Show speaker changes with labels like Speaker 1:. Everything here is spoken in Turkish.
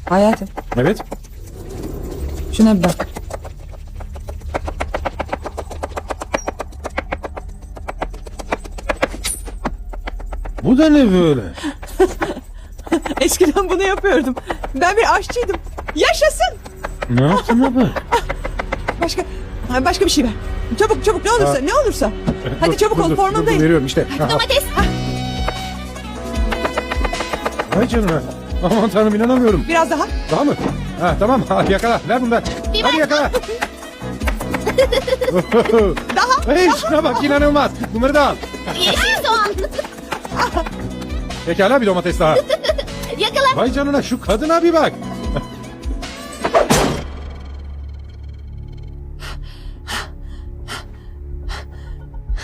Speaker 1: Hayatım,
Speaker 2: Evet.
Speaker 1: şuna bir bak.
Speaker 2: Bu da ne böyle?
Speaker 1: Eskiden bunu yapıyordum. Ben bir aşçıydım. Yaşasın.
Speaker 2: Ne yaptın abi?
Speaker 1: Başka bir şey ver. Çabuk çabuk, ne olursa
Speaker 2: Ha.
Speaker 1: ne olursa. Hadi
Speaker 2: Dur,
Speaker 1: çabuk
Speaker 2: dur,
Speaker 1: ol,
Speaker 2: dur,
Speaker 1: formundayım.
Speaker 2: dur, veriyorum işte.
Speaker 1: Domates. Ha,
Speaker 2: Vay canına. Aman tanrım, inanamıyorum.
Speaker 1: biraz daha.
Speaker 2: Daha mı? Ha, tamam. Ha, yakala. Ver bunu da. Hadi yakala.
Speaker 1: Daha.
Speaker 2: Hey, şuna bak, inanılmaz. Bunları da al.
Speaker 3: Yeşil soğan.
Speaker 2: Pekala, bir domates daha.
Speaker 3: Yakala.
Speaker 2: Vay canına, şu kadına bir bak.